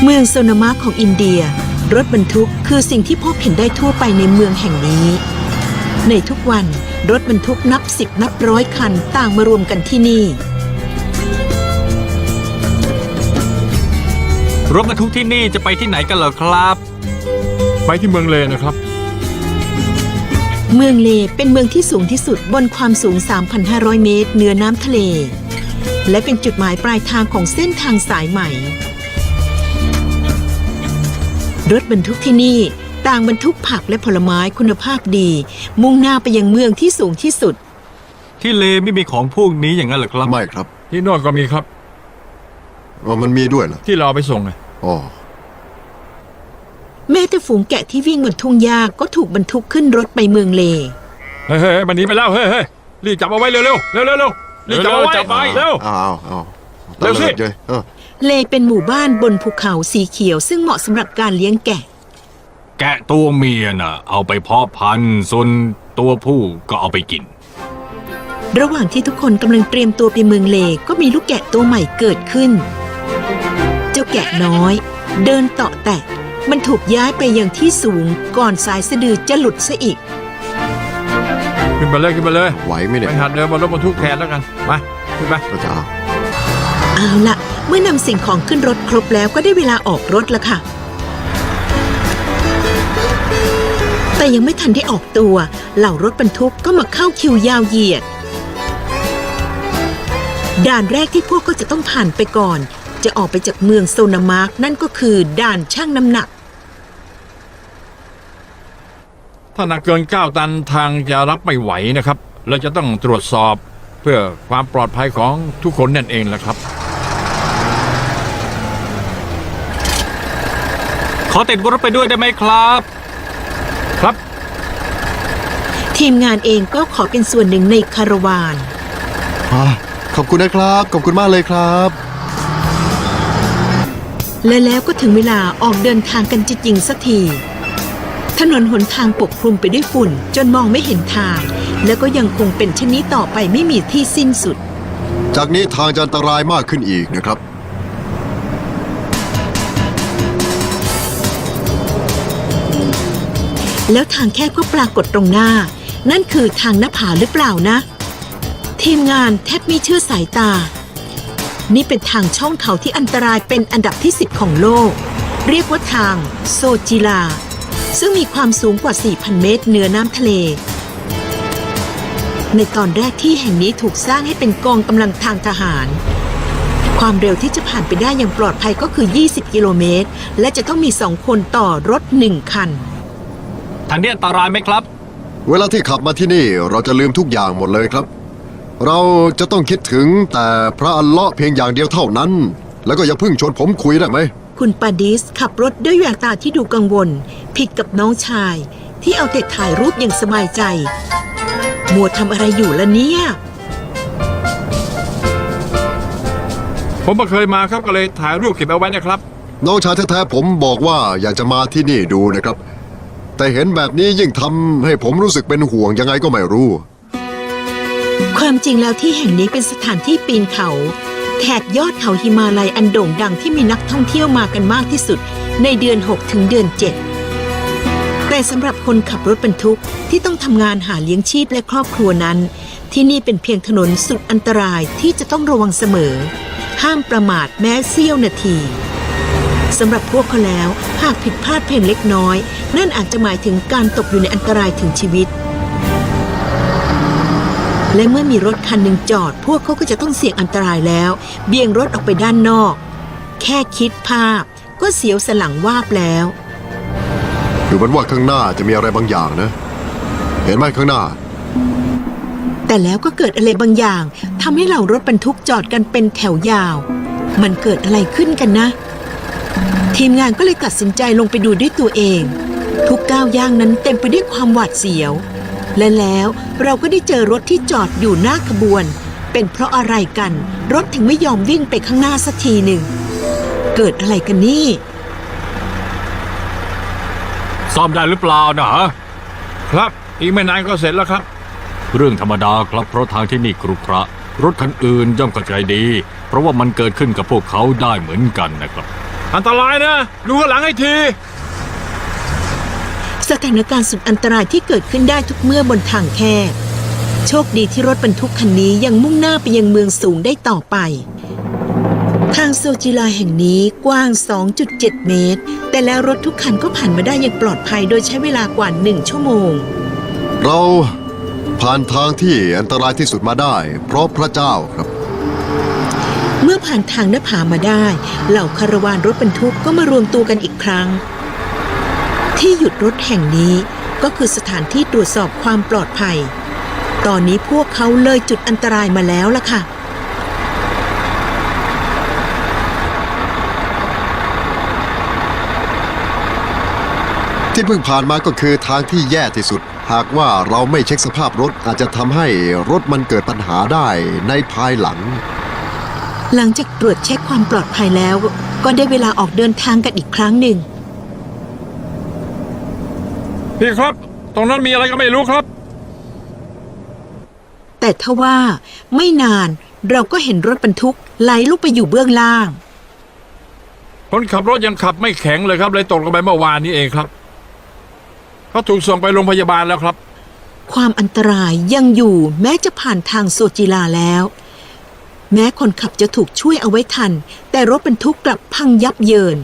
เมืองโซนามะของอินเดียรถบรรทุกคือสิ่งที่พบเห็นได้ทั่วไปในเมืองแห่งนี้ในทุกวันรถบรรทุกนับ10นับร้อยคันต่างมารวมกันที่นี่รถบรรทุกที่นี่จะไปที่ไหนกันเหรอครับไปที่เมืองเลนะครับเมืองเลเป็นเมืองที่สูงที่สุดบนความสูง 3,500 เมตรเหนือน้ำทะเลและเป็นจุดหมายปลายทางของเส้นทางสายใหม่รถบรรทุกที่นี่ต่างบรรทุกผักและผลไม้คุณภาพดีมุ่งหน้าไปยังเมืองที่สูงที่สุดที่เลไม่มีของพวกนี้อย่างนั้นเหรอครับไม่ครับที่โน่นก็มีครับมันมีด้วยเหรอที่เราไปส่งไงอ๋อแม้แต่ฝูงแกะที่วิ่งบนทุ่งหญ้าก็ถูกบรรทุกขึ้นรถไปเมืองเลเฮ้ยมันหนีไปแล้วเฮ้ยรีบจับเอาไว้เร็วรีบจับเอาไว้เร็วเร็วสิเลเป็นหมู่บ้านบนภูเขาสีเขียวซึ่งเหมาะสำหรับการเลี้ยงแกะแกะตัวเมียน่ะเอาไปเพาะพันธุ์ส่วนตัวผู้ก็เอาไปกินระหว่างที่ทุกคนกำลังเตรียมตัวไปเมืองเลก็มีลูกแกะตัวใหม่เกิดขึ้นเจ้าแกะน้อยเดินเตาะแตะมันถูกย้ายไปยังที่สูงก่อนสายสะดือจะหลุดซะอีกขึ้นไปเลยไหวไหมเนี่ยไปหัดเดินบนรถบรรทุกแทนแล้วกันมาขึ้นไปก็จะเอาล่ะเมื่อนำสิ่งของขึ้นรถครบแล้วก็ได้เวลาออกรถแล้วค่ะแต่ยังไม่ทันได้ออกตัวเหล่ารถบรรทุกก็มาเข้าคิวยาวเหยียดด่านแรกที่พวกก็จะต้องผ่านไปก่อนจะออกไปจากเมืองโซนามาร์กนั่นก็คือด่านชั่งน้ำหนักถ้าหนักเกิน9 ตันทางจะรับไม่ไหวนะครับเราจะต้องตรวจสอบเพื่อความปลอดภัยของทุกคนนั่นเองแหละครับขอติดรถไปด้วยได้ไหมครับครับทีมงานเองก็ขอเป็นส่วนหนึ่งในคาราวานขอบคุณนะครับขอบคุณมากเลยครับและแล้วก็ถึงเวลาออกเดินทางกันจริงๆสักทีถนนหนทางปกคลุมไปด้วยฝุ่นจนมองไม่เห็นทางแล้วก็ยังคงเป็นเช่นนี้ต่อไปไม่มีที่สิ้นสุดจากนี้ทางจะอันตรายมากขึ้นอีกนะครับแล้วทางแคบก็ปรากฏตรงหน้านั่นคือทางหน้าผาหรือเปล่านะทีมงานแทบไม่เชื่อสายตานี่เป็นทางช่องเขาที่อันตรายเป็นอันดับที่10ของโลกเรียกว่าทางโซจิลาซึ่งมีความสูงกว่า 4,000 เมตรเหนือน้ำทะเลในตอนแรกที่แห่งนี้ถูกสร้างให้เป็นกองกำลังทางทหารความเร็วที่จะผ่านไปได้อย่างปลอดภัยก็คือ20 กิโลเมตรและจะต้องมี2 คนต่อรถ1 คันทางนี้อันตรายไหมครับเวลาที่ขับมาที่นี่เราจะลืมทุกอย่างหมดเลยครับเราจะต้องคิดถึงแต่พระอัลเลาะห์เพียงอย่างเดียวเท่านั้นแล้วก็อย่าเพิ่งชวนผมคุยได้ไหมคุณปาดิสขับรถด้วยแววตาที่ดูกังวลผิดกับน้องชายที่เอาแต่ถ่ายรูปอย่างสบายใจมัวทำอะไรอยู่ล่ะเนี่ยผมไม่เคยมาครับก็เลยถ่ายรูปเก็บเอาไว้นะครับน้องชายแท้ๆผมบอกว่าอยากจะมาที่นี่ดูนะครับแต่เห็นแบบนี้ยิ่งทำให้ผมรู้สึกเป็นห่วงยังไงก็ไม่รู้ความจริงแล้วที่แห่งนี้เป็นสถานที่ปีนเขาแถบยอดเขาหิมาลัยอันโด่งดังที่มีนักท่องเที่ยวมากันมากที่สุดในเดือน6ถึงเดือน7แต่สำหรับคนขับรถบรรทุกที่ต้องทำงานหาเลี้ยงชีพและครอบครัวนั้นที่นี่เป็นเพียงถนนสุดอันตรายที่จะต้องระวังเสมอห้ามประมาทแม้เสี้ยวนาทีสำหรับพวกเขาแล้วหากผิดพลาดเพียงเล็กน้อยนั่นอาจจะหมายถึงการตกอยู่ในอันตรายถึงชีวิตและเมื่อมีรถคันหนึ่งจอดพวกเขาก็จะต้องเสี่ยงอันตรายแล้วเบี่ยงรถออกไปด้านนอกแค่คิดภาพก็เสียวสันหลังวาบแล้วดูเหมือนว่าข้างหน้าจะมีอะไรบางอย่างนะเห็นไหมข้างหน้าแต่แล้วก็เกิดอะไรบางอย่างทำให้เหล่ารถบรรทุกจอดกันเป็นแถวยาวมันเกิดอะไรขึ้นกันนะทีมงานก็เลยตัดสินใจลงไปดูด้วยตัวเองทุกก้าวย่างนั้นเต็มไปด้วยความหวาดเสียวและแล้วเราก็ได้เจอรถที่จอดอยู่หน้าขบวนเป็นเพราะอะไรกันรถถึงไม่ยอมวิ่งไปข้างหน้าสักทีหนึ่งเกิดอะไรกันนี่ซ่อมได้หรือเปล่านะครับอีกไม่นานก็เสร็จแล้วครับเรื่องธรรมดาครับเพราะทางที่นี่ครุขระรถคันอื่นย่อมเข้าใจดีเพราะว่ามันเกิดขึ้นกับพวกเขาได้เหมือนกันนะครับอันตรายนะดูข้างหลังให้ทีสถานการณ์สุดอันตรายที่เกิดขึ้นได้ทุกเมื่อบนทางแคบโชคดีที่รถบรรทุกคันนี้ยังมุ่งหน้าไปยังเมืองสูงได้ต่อไปทางโซจิลาแห่งนี้กว้าง 2.7 เมตรแต่แล้วรถทุกคันก็ผ่านมาได้อย่างปลอดภัยโดยใช้เวลากว่า1 ชั่วโมงเราผ่านทางที่อันตรายที่สุดมาได้ เพราะพระเจ้าครับเมื่อผ่านทางหน้าผามาได้เหล่าคาราวานรถบรรทุกก็มารวมตัวกันอีกครั้งที่หยุดรถแห่งนี้ก็คือสถานที่ตรวจสอบความปลอดภัยตอนนี้พวกเขาเลยจุดอันตรายมาแล้วล่ะค่ะที่เพิ่งผ่านมาก็คือทางที่แย่ที่สุดหากว่าเราไม่เช็คสภาพรถอาจจะทำให้รถมันเกิดปัญหาได้ในภายหลังหลังจากตรวจเช็คความปลอดภัยแล้วก็ได้เวลาออกเดินทางกันอีกครั้งหนึ่งพี่ครับตรงนั้นมีอะไรก็ไม่รู้ครับแต่ทว่าไม่นานเราก็เห็นรถบรรทุกไหลลุกไปอยู่เบื้องล่างคนขับรถยังขับไม่แข็งเลยครับเลยตกลงไปเมื่อวานนี้เองครับเขาถูกส่งไปโรงพยาบาลแล้วครับความอันตรายยังอยู่แม้จะผ่านทางโซจิลาแล้วแม้คนขับจะถูกช่วยเอาไว้ทันแต่รถบรรทุกกลับพังยับเยิน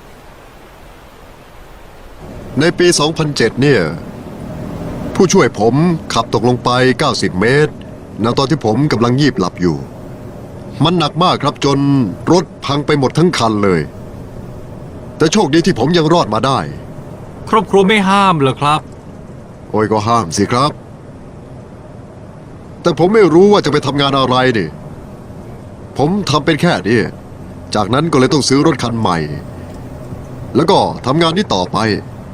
ในปี 2007 เนี่ยผู้ช่วยผมขับตกลงไป 90 เมตรณตอนที่ผมกำลังยีบหลับอยู่มันหนักมากครับจนรถพังไปหมดทั้งคันเลยแต่โชคดีที่ผมยังรอดมาได้ครอบครัวไม่ห้ามเหรอครับโอ้ยก็ห้ามสิครับแต่ผมไม่รู้ว่าจะไปทำงานอะไรนี่ผมทำเป็นแค่นี้จากนั้นก็เลยต้องซื้อรถคันใหม่แล้วก็ทำงานนี้ต่อไป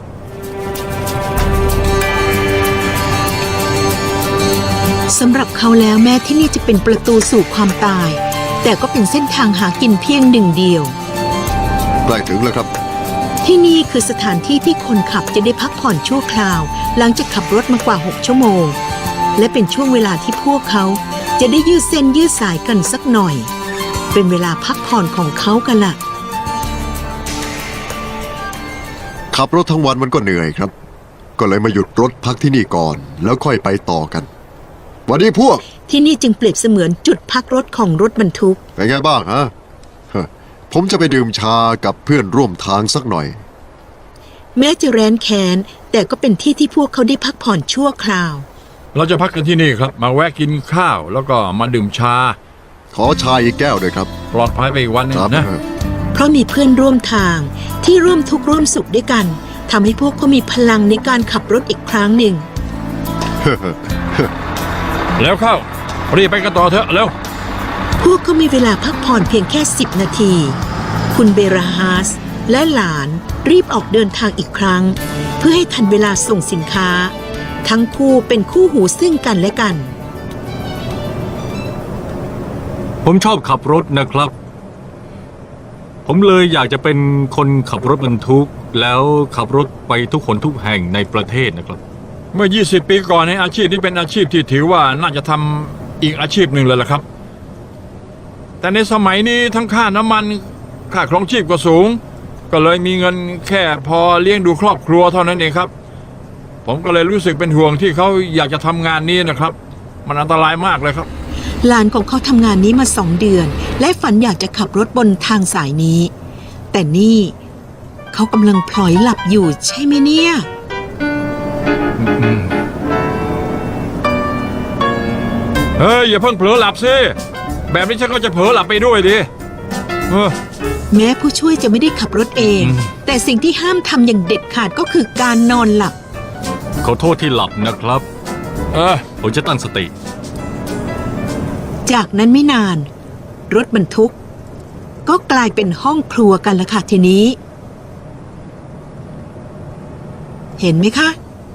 สำหรับเขาแล้วแม้ที่นี่จะเป็นประตูสู่ความตายแต่ก็เป็นเส้นทางหากินเพียงหนึ่งเดียวใกล้ถึงแล้วครับที่นี่คือสถานที่ที่คนขับจะได้พักผ่อนชั่วคราวหลังจากขับรถมากว่า6 ชั่วโมงและเป็นช่วงเวลาที่พวกเขาจะได้ยืดเส้นยืดสายกันสักหน่อยเป็นเวลาพักผ่อนของเขากันล่ะขับรถทั้งวันมันก็เหนื่อยครับก็เลยมาหยุดรถพักที่นี่ก่อนแล้วค่อยไปต่อกันวันนี้พวกที่นี่จึงเปรียบเสมือนจุดพักรถของรถบรรทุกเป็นไงบ้างฮะผมจะไปดื่มชากับเพื่อนร่วมทางสักหน่อยแม้จะแร้นแค้นแต่ก็เป็นที่ที่พวกเขาได้พักผ่อนชั่วคราวเราจะพักกันที่นี่ครับมาแวะกินข้าวแล้วก็มาดื่มชาขอชาอีกแก้วด้วยครับปลอดภัยไปอีกวันนึงนะเพราะมีเพื่อนร่วมทางที่ร่วมทุกข์ร่วมสุขด้วยกันทำให้พวกเขามีพลังในการขับรถอีกครั้งหนึ่งแล้วเข้ารีบไปกันต่อเถอะแล้วพวกเขามีเวลาพักผ่อนเพียงแค่10 นาทีคุณเบราฮาสและหลานรีบออกเดินทางอีกครั้งเพื่อให้ทันเวลาส่งสินค้าทั้งคู่เป็นคู่หูซึ่งกันและกันผมชอบขับรถนะครับผมเลยอยากจะเป็นคนขับรถบรรทุกแล้วขับรถไปทุกคนทุกแห่งในประเทศนะครับเมื่อ20 ปีก่อนในอาชีพนี้เป็นอาชีพที่ถือว่าน่าจะทำอีกอาชีพหนึ่งเลยล่ะครับแต่ในสมัยนี้ทั้งค่าน้ำมันค่าครองชีพก็สูงก็เลยมีเงินแค่พอเลี้ยงดูครอบครัวเท่านั้นเองครับผมก็เลยรู้สึกเป็นห่วงที่เขาอยากจะทำงานนี้นะครับมันอันตรายมากเลยครับหลานของเขาทำงานนี้มา2 เดือนและฝันอยากจะขับรถบนทางสายนี้แต่นี่เขากำลังพลอยหลับอยู่ใช่ไหมเนี่ยอย่าเพิ่งเผลอหลับสิแบบนี้ฉันก็จะเผลอหลับไปด้วยดิแม้ผู้ช่วยจะไม่ได้ขับรถเองแต่สิ่งที่ห้ามทำอย่างเด็ดขาดก็คือการนอนหลับขอโทษที่หลับนะครับผมจะตั้งสติจากนั้นไม่นานรถบรรทุกก็กลายเป็นห้องครัวกันละค่ะทีนี้เห็นไหมคะ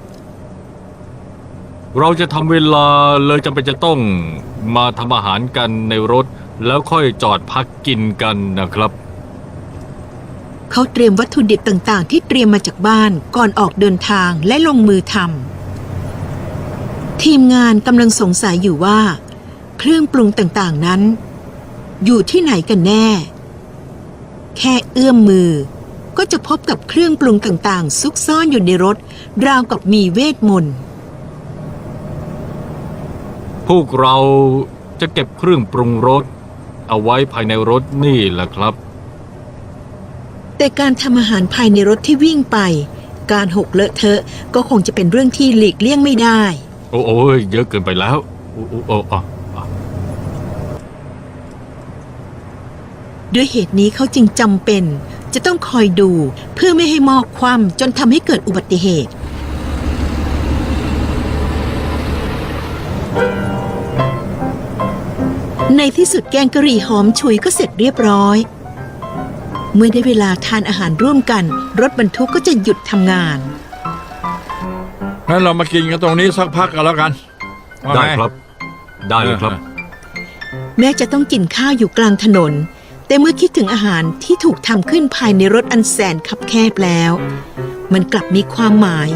เราจะทำเวลาเลยจำเป็นจะต้องมาทำอาหารกันในรถแล้วค่อยจอดพักกินกันนะครับเขาเตรียมวัตถุดิบต่างๆที่เตรียมมาจากบ้านก่อนออกเดินทางและลงมือทำทีมงานกำลังสงสัยอยู่ว่าเครื่องปรุงต่างๆนั้นอยู่ที่ไหนกันแน่แค่เอื้อมมือ ก็จะพบกับเครื่องปรุงต่างๆ ซุกซ่อนอยู่ในรถ ราวกับมีเวทมนต์พวกเราจะเก็บเครื่องปรุงรสเอาไว้ภายในรถนี่แหละครับแต่การทำอาหารภายในรถที่วิ่งไป การหกเลอะเทอะก็คงจะเป็นเรื่องที่หลีกเลี่ยงไม่ได้โอ้ยเยอะเกินไปแล้วโอ้ด้วยเหตุนี้เขาจึงจำเป็นจะต้องคอยดูเพื่อไม่ให้หม้อคว่ำจนทำให้เกิดอุบัติเหตุ ในที่สุดแกงกะหรี่หอมฉุยก็เสร็จเรียบร้อย เมื่อได้เวลาทานอาหารร่วมกันรถบรรทุกก็จะหยุดทำงานงั้นเรามากินกันตรงนี้สักพักกันแล้วกันว่าได้ไงครับ ได้เลยครับแม้จะต้องกินข้าวอยู่กลางถนน แต่เมื่อคิดถึงอาหารที่ถูกทำขึ้นภายในรถอันแสนคับแคบแล้ว มันกลับมีความหมาย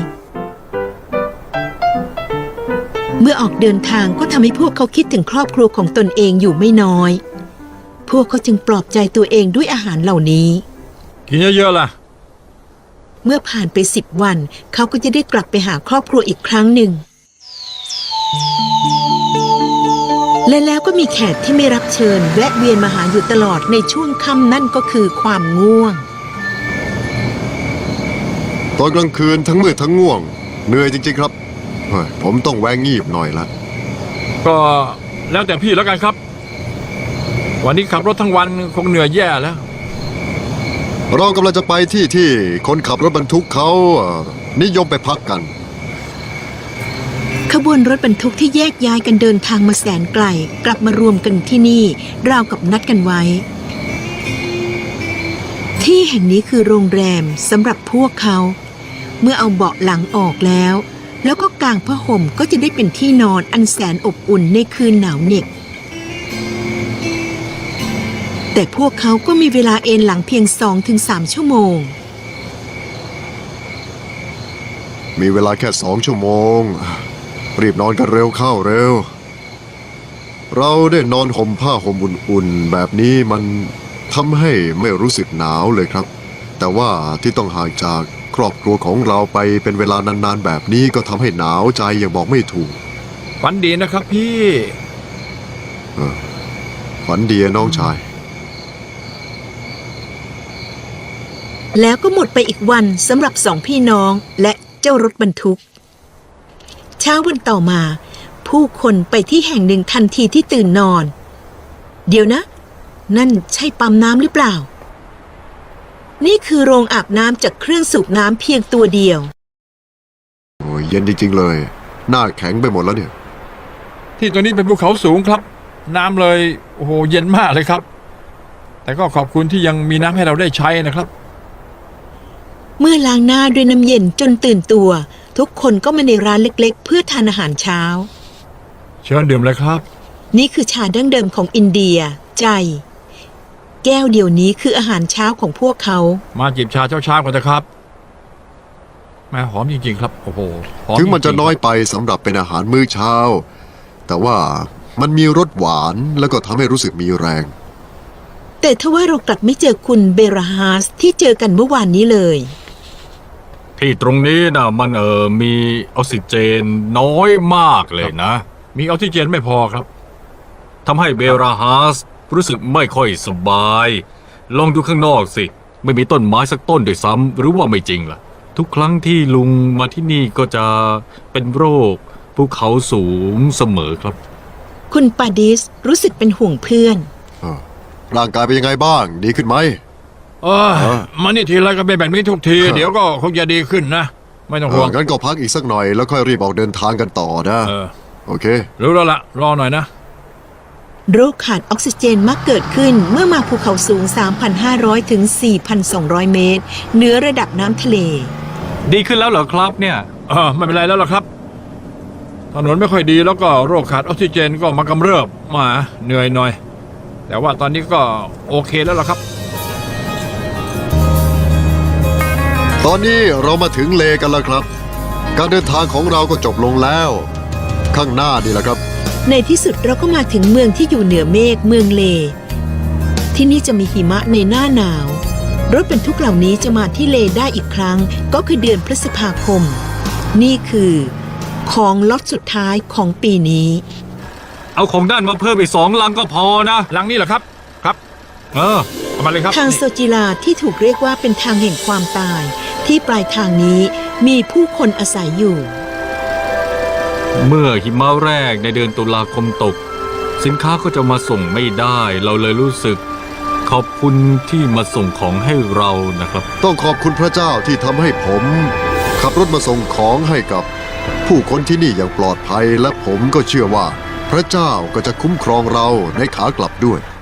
เมื่อออกเดินทางก็ทำให้พวกเขาคิดถึงครอบครัวของตนเองอยู่ไม่น้อย พวกเขาจึงปลอบใจตัวเองด้วยอาหารเหล่านี้กินเยอะๆล่ะเมื่อผ่านไป10 วัน เขาก็จะได้กลับไปหาครอบครัวอีกครั้งหนึ่ง และแล้วก็มีแขกที่ไม่รับเชิญแวะเวียนมาหาอยู่ตลอดในช่วงค่ำนั่นก็คือความง่วงตอนกลางคืนทั้งมืดทั้งง่วง เหนื่อยจริงๆครับเฮ้ยผมต้องแวงงีบหน่อยละก็แล้วแต่พี่แล้วกันครับ วันนี้ขับรถทั้งวันคงเหนื่อยแย่แล้วเรากำลังจะไปที่คนขับรถบรรทุกเขานิยมไปพักกันขบวนรถบรรทุกที่แยกย้ายกันเดินทางมาแสนไกลกลับมารวมกันที่นี่ราวกับนัดกันไว้ ที่แห่งนี้คือโรงแรมสำหรับพวกเขา เมื่อเอาเบาะหลังออกแล้วก็กางผ้าห่มก็จะได้เป็นที่นอนอันแสนอบอุ่นในคืนหนาวเหน็บแต่พวกเขาก็มีเวลาเอนหลังเพียง 2-3 ชั่วโมงมีเวลาแค่2 ชั่วโมง รีบนอนกันเร็วเข้าเร็ว เราได้นอนห่มผ้าห่มอุ่นๆแบบนี้มันทำให้ไม่รู้สึกหนาวเลยครับ แต่ว่าที่ต้องห่างจากครอบครัวของเราไปเป็นเวลานานๆแบบนี้ก็ทำให้หนาวใจอย่างบอกไม่ถูกฝันดีนะครับพี่ฝันดีน้องชายแล้วก็หมดไปอีกวันสำหรับ2 พี่น้องและเจ้ารถบรรทุก เช้าวันต่อมาผู้คนไปที่แห่งหนึ่งทันทีที่ตื่นนอน เดี๋ยวนะ นั่นใช่ปั๊มน้ำหรือเปล่า นี่คือโรงอาบน้ำจากเครื่องสูบน้ำเพียงตัวเดียวโอ้ยเย็นจริงๆเลย หน้าแข็งไปหมดแล้วเนี่ยที่ตัวนี้เป็นภูเขาสูงครับ น้ำเลยโอ้โหเย็นมากเลยครับ แต่ก็ขอบคุณที่ยังมีน้ำให้เราได้ใช้นะครับเมื่อล้างหน้าด้วยน้ำเย็นจนตื่นตัว ทุกคนก็มาในร้านเล็กๆเพื่อทานอาหารเช้าเชิญดื่มเลยครับนี่คือชาดั้งเดิมของอินเดียใจ แก้วเดียวนี้คืออาหารเช้าของพวกเขามาจิบชาเช้าๆกันนะครับแม่หอมจริงๆครับโอ้โหหอมถึงมันจะริๆน้อยไปสำหรับเป็นอาหารมื้อเช้า แต่ว่ามันมีรสหวานแล้วก็ทำให้รู้สึกมีแรงแต่ทว่าเรากลับไม่เจอคุณเบราฮาสที่เจอกันเมื่อวานนี้เลยที่ตรงนี้นะมันมีออกซิเจนน้อยมากเลยนะมีออกซิเจนไม่พอครับทำให้เบราฮาสรู้สึกไม่ค่อยสบาย ลองดูข้างนอกสิ ไม่มีต้นไม้สักต้นด้วยซ้ำหรือว่าไม่จริงล่ะ ทุกครั้งที่ลุงมาที่นี่ก็จะเป็นโรคภูเขาสูงเสมอครับคุณปาดิสรู้สึกเป็นห่วงเพื่อนร่างกายเป็นยังไงบ้าง ดีขึ้นไหมมานี่ทีไรก็เป็นแบบนี้ทุกที เดี๋ยวก็คงจะดีขึ้นนะ ไม่ต้องห่วงงั้นก็พักอีกสักหน่อยแล้วค่อยรีบออกเดินทางกันต่อนะ โอเครู้แล้วละรอหน่อยนะโรคขาดออกซิเจนมักเกิดขึ้นเมื่อมาภูเขาสูง 3,500 ถึง 4,200 เมตรเหนือระดับน้ำทะเลดีขึ้นแล้วเหรอครับเนี่ยไม่เป็นไรแล้วล่ะครับ ถนนไม่ค่อยดีแล้วก็โรคขาดออกซิเจนก็มากำเริบมาเหนื่อยหน่อย แต่ว่าตอนนี้ก็โอเคแล้วล่ะครับตอนนี้เรามาถึงเลกันแล้วครับ การเดินทางของเราก็จบลงแล้ว ข้างหน้านี่แหละครับในที่สุดเราก็มาถึงเมืองที่อยู่เหนือเมฆเมืองเล ที่นี่จะมีหิมะในหน้าหนาวรถบรรทุกเหล่านี้จะมาที่เลได้อีกครั้งก็คือเดือนพฤษภาคม นี่คือของล็อตสุดท้ายของปีนี้เอาของด้านมาเพิ่มอีก2 ลังก็พอนะลังนี้เหรอครับ ครับเออเอามาเลยครับทางโซจิลาที่ถูกเรียกว่าเป็นทางแห่งความตาย ที่ปลายทางนี้มีผู้คนอาศัยอยู่เมื่อหิมะแรกในเดือนตุลาคมตก สินค้าก็จะมาส่งไม่ได้ เราเลยรู้สึก ขอบคุณที่มาส่งของให้เรานะครับต้องขอบคุณพระเจ้าที่ทำให้ผม ขับรถมาส่งของให้กับผู้คนที่นี่อย่างปลอดภัย และผมก็เชื่อว่า พระเจ้าก็จะคุ้มครองเราในขากลับด้วย